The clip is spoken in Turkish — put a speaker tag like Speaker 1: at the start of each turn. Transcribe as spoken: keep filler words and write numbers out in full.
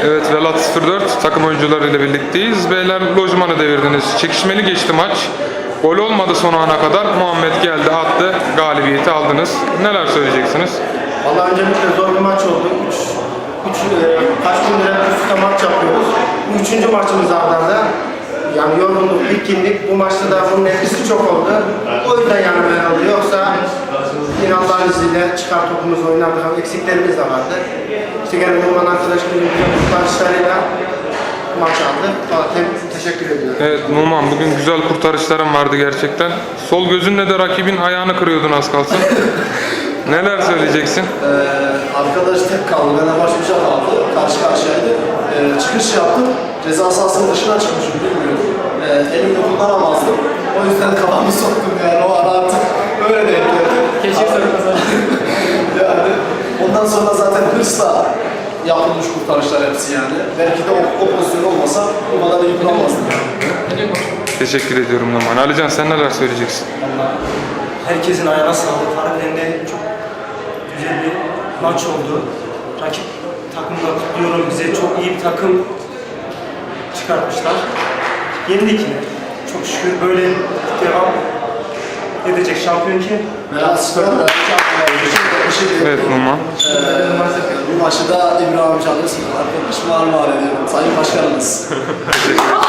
Speaker 1: Evet, Velat sıfır dört takım oyuncularıyla birlikteyiz. Beyler lojmanı devirdiniz. Çekişmeli geçti maç. Gol olmadı son ana kadar. Muhammed geldi, attı. Galibiyeti aldınız. Neler söyleyeceksiniz?
Speaker 2: Vallahi öncelikle zor bir maç oldu. Üç, üç, e, kaç gündür hep üst üste maç yapıyoruz. Bu üçüncü maçımız arda arda. Yani yorgunluk, bitkinlik. Bu maçta da bunun etkisi çok oldu. O yüzden yani böyle oldu. Yoksa yine Allah'ın izniyle çıkar topumuzu oynardık ama eksiklerimiz de vardı. İşte gene Numan arkadaşımızın kurtarışlarıyla maç aldı. Valla te teşekkür ediyorum.
Speaker 1: Evet Numan, bugün güzel kurtarışların vardı gerçekten. Sol gözünle de rakibin ayağını kırıyordun az kalsın. Neler söyleyeceksin?
Speaker 3: Ee, arkadaş tek kaldı. Benden baş bir şey kaldı. Karşı karşıyaydı. Ee, çıkış yaptım. Ceza sahasının dışına çıkmışım bilmiyorum. Ee, elimle kullanamazdım. O yüzden kafamı soktum yani o ara artık öyle denk geldi.
Speaker 4: Keşke sarılmasaydı.
Speaker 3: Yani ondan sonra zaten hırsla yapılmış kurtarışlar hepsi yani. Belki de o, o pozisyon olmasa o kadar iyi kuramazdım yani.
Speaker 1: Teşekkür ediyorum Numan. Alican, sen neler söyleyeceksin?
Speaker 4: Herkesin ayağına sağlık. Harbiden de çok güzel bir maç oldu. Rakip takımda kutluyorum. Bize çok iyi bir takım çıkartmışlar. Yenildik yine. Çok şükür böyle devam edecek şampiyon kim?
Speaker 3: Veya sıfır dört.
Speaker 1: Evet Numan.
Speaker 3: Ee, bu maçı da İbrahim Canlı arkadaşıma armağan ediyorum. Sayın Başkanımız.